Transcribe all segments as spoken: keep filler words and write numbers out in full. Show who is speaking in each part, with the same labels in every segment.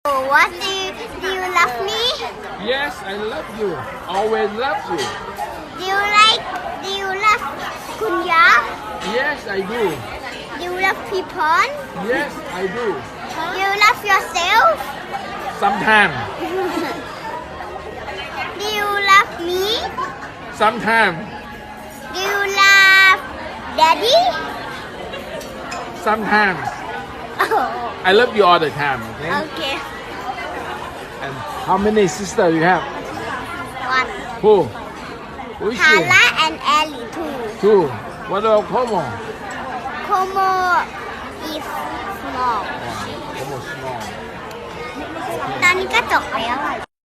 Speaker 1: What do you, do you love me?
Speaker 2: Yes, I love you. Always love you.
Speaker 1: Do you like? Do you love Kunya?
Speaker 2: Yes, I do.
Speaker 1: Do you love people?
Speaker 2: Yes, I do.
Speaker 1: Do you love yourself?
Speaker 2: Sometimes.
Speaker 1: Do you love me?
Speaker 2: Sometimes.
Speaker 1: Do you love Daddy?
Speaker 2: Sometimes.
Speaker 1: Oh,
Speaker 2: I love you all the time. Okay.
Speaker 1: okay.
Speaker 2: And how many sisters you have?
Speaker 1: One.
Speaker 2: Who? Who is she?
Speaker 1: Tala and Ellie too.
Speaker 2: Two. What about Como?
Speaker 1: Como is small.
Speaker 2: Como small.
Speaker 1: ตอนนี้ก็จบแล้วอะ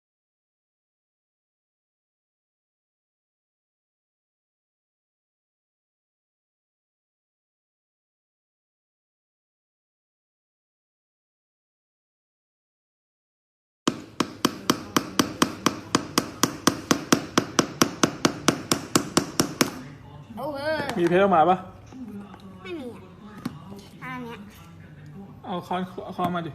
Speaker 2: มีเพลงมาปะ
Speaker 1: ไม่มีอ่ะอันเนี้ย
Speaker 2: เอาค้อนเอาค้อนมาดิ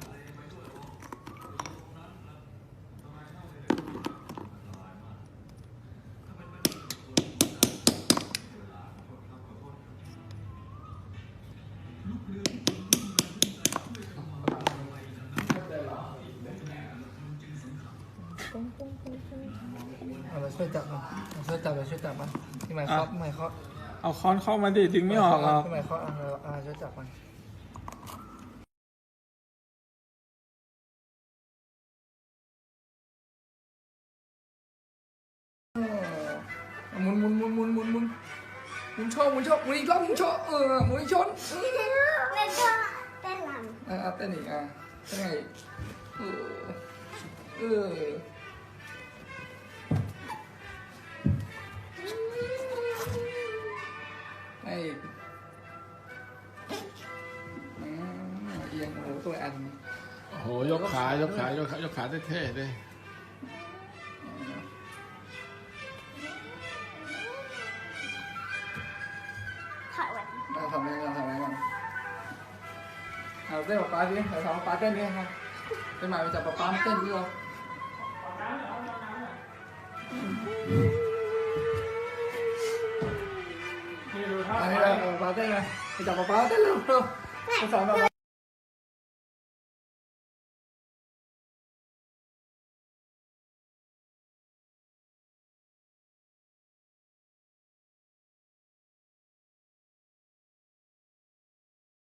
Speaker 3: เอาเราช่วยจับมันเราช่วยจับเราช่วยจับมันพี่หมายเคาะพี่หมายเคาะ
Speaker 2: เอาค้อนเข้ามาดิดึงไม่ออกหรอก
Speaker 3: พี่หมายเคาะอ่ะเราอ่าช่วยจับมันหมุนหมุนหมุนหมุนหมุนหมุนหมุนโชว์หมุนโชว์หมุนอีกรอบหมุนโชว์เออหมุนอีกชน
Speaker 1: เล่นก็เต้นรำ
Speaker 3: อ่ะเต้นอีกอ่ะเต้นไงเออเออไอ้อืมเอียงโอ้โหตัวอัน
Speaker 2: โอ้โหยกขายกขายกขายกขาเท่ๆเลย
Speaker 1: ถอยแหวน
Speaker 3: เราทำอะไรกันทำอะไรกันเอาเต้นกับป๊าดิเราทำป๊าเต้นดิครับเต้นใหม่ไปจับป๊าป๊าเต้นดิเราอันนี้เราป๊าเต้นไงไปจับป๊าป๊าเต้นเร็วเร็วไปสอนป๊าป๊า